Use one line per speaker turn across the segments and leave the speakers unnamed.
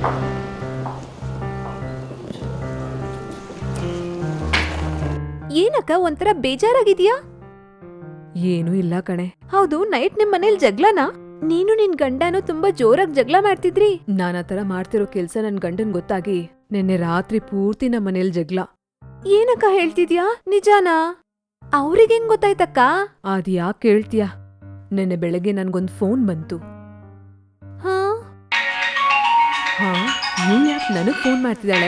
ಏನಕ್ಕ ಒಂಥರ ಬೇಜಾರಾಗಿದ್ಯಾ? ಏನೂ ಇಲ್ಲ ಕಣೆ. ಹೌದು, ನೈಟ್ ನಿಮ್ ಮನೇಲಿ ಜಗ್ಲನಾ? ನೀನು ನಿನ್ ಗಂಡನು ತುಂಬಾ ಜೋರಾಗಿ ಜಗ್ಲ ಮಾಡ್ತಿದ್ರಿ. ನಾನ್ ಆತರ ಮಾಡ್ತಿರೋ ಕೆಲ್ಸ ನನ್ ಗಂಡನ್ ಗೊತ್ತಾಗಿ ನಿನ್ನೆ ರಾತ್ರಿ ಪೂರ್ತಿ ನಮ್ ಮನೇಲಿ ಜಗ್ಲ. ಏನಕ್ಕ ಹೇಳ್ತಿದ್ಯಾ? ನಿಜಾನಾ? ಅವ್ರಿಗೇನ್ ಗೊತ್ತಾಯ್ತಕ್ಕ? ಅದ್ ಯಾಕ್ ಕೇಳ್ತೀಯ? ನೆನ್ನೆ ಬೆಳಗ್ಗೆ ನನ್ಗೊಂದ್ ಫೋನ್ ಬಂತು. ಹಾ ಹಾ ಇವ್ಳು ಯಾಕೆ ನನಗ್ ಫೋನ್ ಮಾಡ್ತಿದ್ದಾಳೆ?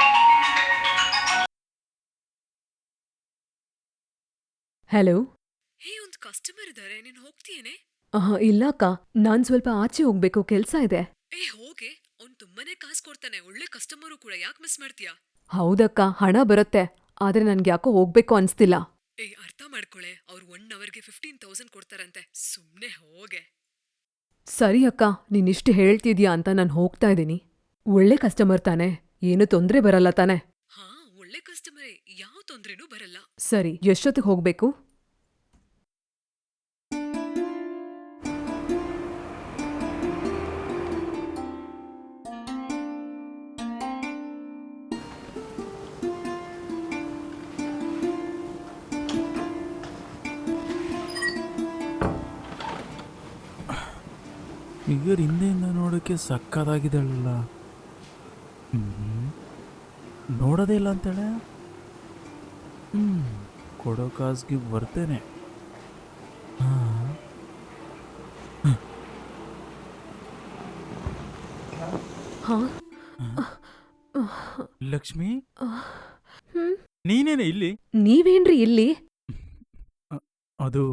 ಹಲೋ. ಹೇ, ಒಂದ್ ಕಸ್ಟಮರ್ ಇದಾರೆ, ನೀನ್ ಹೋಗ್ತೀಯೇನೆ? ಇಲ್ಲ ಅಕ್ಕ, ನಾನ್ ಸ್ವಲ್ಪ ಆಚೆ ಹೋಗ್ಬೇಕು, ಕೆಲ್ಸ ಇದೆ. ಹೋಗೆ, ಅವ್ನ್ ತುಂಬಾನೇ ಕಾಸು ಕೊಡ್ತಾನೆ, ಒಳ್ಳೆ ಕಸ್ಟಮರು ಕೂಡ, ಯಾಕೆ ಮಿಸ್ ಮಾಡ್ತೀಯಾ? ಹೌದಕ್ಕ, ಹಣ ಬರುತ್ತೆ, ಆದ್ರೆ ನನ್ಗೆ ಯಾಕೋ ಹೋಗ್ಬೇಕು ಅನ್ಸ್ತಿಲ್ಲ. ಅರ್ಥ ಮಾಡ್ಕೊಳೆ, ಅವ್ರು 1 ಅವರ್ಗೆ 15,000 ಕೊಡ್ತಾರಂತೆ, ಸುಮ್ನೆ ಹೋಗೆ. ಸರಿ ಅಕ್ಕ, ನೀನಿಷ್ಟು ಹೇಳ್ತಿದ್ಯಾ ಅಂತ ನಾನ್ ಹೋಗ್ತಾ ಇದೀನಿ. ಒಳ್ಳೆ ಕಸ್ಟಮರ್ ತಾನೆ, ಏನು ತೊಂದ್ರೆ ಬರಲ್ಲ ತಾನೆ? ಹಾ, ಒಳ್ಳೆ ಕಸ್ಟಮರೇ, ಯಾವ ತೊಂದ್ರೆನೂ ಬರಲ್ಲ. ಸರಿ, ಎಷ್ಟೊತ್ತಿಗೆ ಹೋಗ್ಬೇಕು?
ಫಿಗರ್ ಹಿಂದೆಯಿಂದ ನೋಡೋಕ್ಕೆ ಸಕ್ಕದಾಗಿದೆಲ್ಲ. ನೋಡೋದೇ ಇಲ್ಲ ಅಂತೇಳೆ. ಕೊಡೋ ಕಾಸ್ಗೆ ಬರ್ತೇನೆ. ಲಕ್ಷ್ಮಿ, ನೀನೇನೆ ಇಲ್ಲಿ?
ನೀವೇನ್ರಿ ಇಲ್ಲಿ?
ಅದು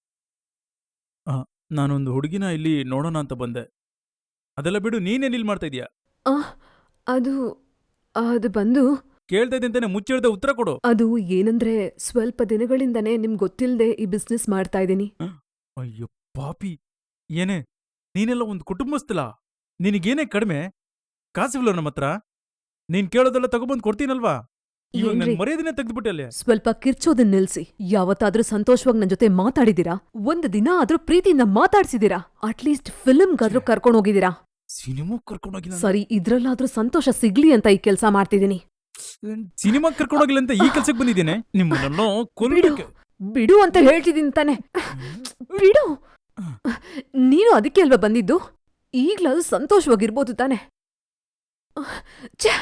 ನಾನೊಂದು ಹುಡುಗಿನ ಇಲ್ಲಿ ನೋಡೋಣ ಅಂತ ಬಂದೆ. ಅದೆಲ್ಲ ಬಿಡು, ನೀನೇನ್ ಇಲ್ಲಿ ಮಾಡ್ತಾ ಇದೀಯಾ?
ಅದು ಅದು ಬಂದು
ಕೇಳ್ತಾ ಇದ್ದಂತಾನೆ ಮುಚ್ಚಿಡ್ದೆ ಉತ್ತರ ಕೊಡು.
ಅದು ಏನಂದ್ರೆ, ಸ್ವಲ್ಪ ದಿನಗಳಿಂದನೇ ನಿಮ್ಗೆ ಗೊತ್ತಿಲ್ಲದೆ ಈ ಬಿಸ್ನೆಸ್ ಮಾಡ್ತಾ ಇದ್ದೀನಿ.
ಅಯ್ಯೋ ಪಾಪಿ, ಏನೇ ನೀನೆಲ್ಲ ಒಂದು ಕುಟುಂಬಸ್ಥಲ, ನಿನಗೇನೇ ಕಡಿಮೆ? ಕಾಸಿಲ್ಲ ನಮ್ಮ ಹತ್ರ? ನೀನ್ ಕೇಳೋದೆಲ್ಲ ತಗೊಬಂದು ಕೊಡ್ತೀನಲ್ವಾ? ಇವಾಗ ನನ್ ಮರ್ಯಾದೆನೇ ತೆಗೆದ್ಬಿಟ್ಟೆ.
ಸ್ವಲ್ಪ ಕಿರ್ಚೋದನ್ನ ನಿಲ್ಸಿ. ಯಾವತ್ತಾದ್ರೂ ಸಂತೋಷವಾಗಿ ನನ್ ಜೊತೆ ಮಾತಾಡಿದೀರಾ? ಒಂದು ದಿನ ಆದ್ರೂ ಪ್ರೀತಿಯಿಂದ ಮಾತಾಡ್ಸಿದೀರಾ? ಅಟ್ಲೀಸ್ಟ್ ಫಿಲ್ಮ್ಗಾದ್ರೂ ಕರ್ಕೊಂಡು ಹೋಗಿದೀರಾ?
ಸಿನಿಮಾ ಕರ್ಕೊಂಡೋಗಿಲ್ಲ.
ಸರಿ, ಇದ್ರಲ್ಲಾದ್ರೂ ಸಂತೋಷ ಸಿಗ್ಲಿ ಅಂತ ಈ ಕೆಲ್ಸ ಮಾಡ್ತಿದೀನಿ.
ಸಿನಿಮಾ ಕರ್ಕೊಂಡೋಗಿಲ್ಲ ಅಂತ ಈ ಕೆಲ್ಸಕ್ಕೆ ಬಂದಿದ್ದೇನೆ. ನಿಮ್ಮನ್ನೆಲ್ಲ ಕೊಲ್ಬೇಕು.
ಬಿಡು ಅಂತ ಹೇಳ್ತಿದ್ದೀನಿ ತಾನೆ. ಬಿಡು. ನೀನು ಅದಕ್ಕೆ ಅಲ್ವಾ ಬಂದಿದ್ದು? ಈಗ್ಲಾದ್ರೂ ಸಂತೋಷವಾಗಿರ್ಬೋದು ತಾನೆ? ಛೇ,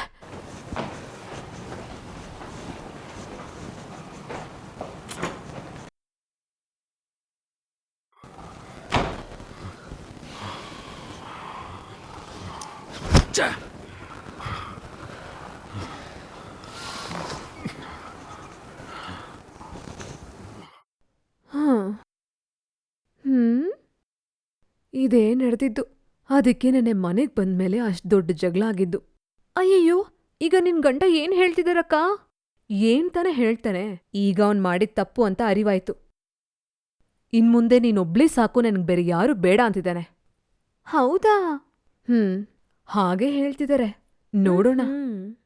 ಇದೇ ನಡೆದಿದ್ದು. ಅದಕ್ಕೆ ನೆನ್ನೆ ಮನೆಗ್ ಬಂದ್ಮೇಲೆ ಅಷ್ಟ್ ದೊಡ್ಡ ಜಗಳ ಆಗಿದ್ದು. ಅಯ್ಯಯ್ಯೋ, ಈಗ ನಿನ್ ಗಂಡ ಏನ್ ಹೇಳ್ತಿದಾರಕ್ಕ? ಏನ್ ತಾನೆ ಹೇಳ್ತಾನೆ? ಈಗ ಅವ್ನ್ ಮಾಡಿದ್ ತಪ್ಪು ಅಂತ ಅರಿವಾಯ್ತು. ಇನ್ಮುಂದೆ ನೀನೊಬ್ಳೇ ಸಾಕು, ನನ್ಗ್ ಬೇರೆ ಯಾರು ಬೇಡ ಅಂತಿದ್ದಾನೆ. ಹೌದಾ? ಹಾಗೆ ಹೇಳ್ತಿದಾರೆ, ನೋಡೋಣ.